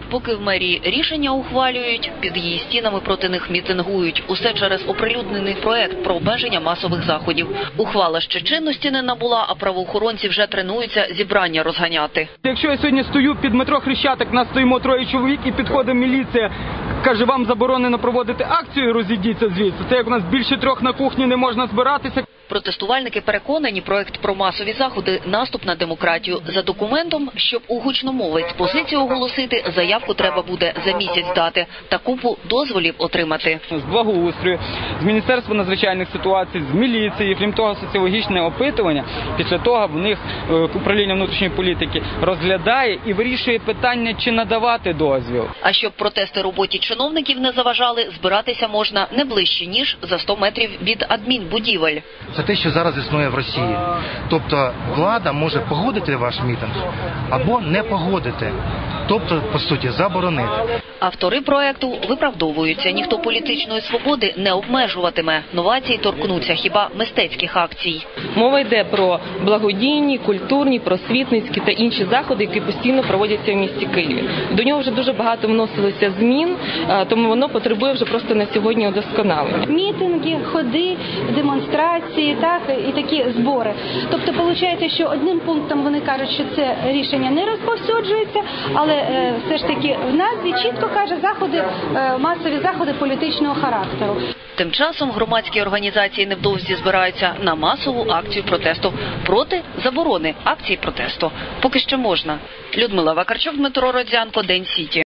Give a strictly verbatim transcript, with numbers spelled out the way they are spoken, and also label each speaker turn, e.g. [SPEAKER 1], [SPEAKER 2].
[SPEAKER 1] Поки в мерії рішення ухвалюють, під її стінами проти них мітингують. Усе через оприлюднений проект про обмеження масових заходів. Ухвала ще чинності не набула, а правоохоронці вже тренуються зібрання розганяти.
[SPEAKER 2] Якщо я сьогодні стою під метро Хрещатик, нас стоїмо троє чоловік і підходить міліція, каже, вам заборонено проводити акцію, розійдіться звідси. Це як у нас більше трьох на кухні не можна збиратися.
[SPEAKER 1] Протестувальники переконані, проект про масові заходи – наступ на демократію. За документом, щоб у гучномовець позицію оголосити, заявку треба буде за місяць дати та купу дозволів отримати.
[SPEAKER 2] З благоустрою, з Міністерства надзвичайних ситуацій, з міліції, крім того, соціологічне опитування, після того в них управління внутрішньої політики розглядає і вирішує питання, чи надавати дозвіл.
[SPEAKER 1] А щоб протести роботі чиновників не заважали, збиратися можна не ближче, ніж за сто метрів від адмінбудівель.
[SPEAKER 3] Це те, що зараз існує в Росії. Тобто влада може погодити ваш мітинг або не погодити. Тобто, по суті, заборонити.
[SPEAKER 1] Автори проекту виправдовуються. Ніхто політичної свободи не обмежуватиме. Новації торкнуться хіба мистецьких акцій.
[SPEAKER 4] Мова йде про благодійні, культурні, просвітницькі та інші заходи, які постійно проводяться в місті Києві. До нього вже дуже багато вносилося змін, тому воно потребує вже просто на сьогодні удосконалення.
[SPEAKER 5] Мітинги, ходи, демонстрації, так, і такі збори. Тобто, виходить, що одним пунктом вони кажуть, що це рішення не розповсюджується, але е, все ж таки в назві чітко каже заходи, е, масові заходи політичного характеру.
[SPEAKER 1] Тим часом громадські організації невдовзі збираються на масову акцію протесту проти заборони акції протесту. Поки що можна. Людмила Вакарчук, Дмитро Родзянко, День Сіті.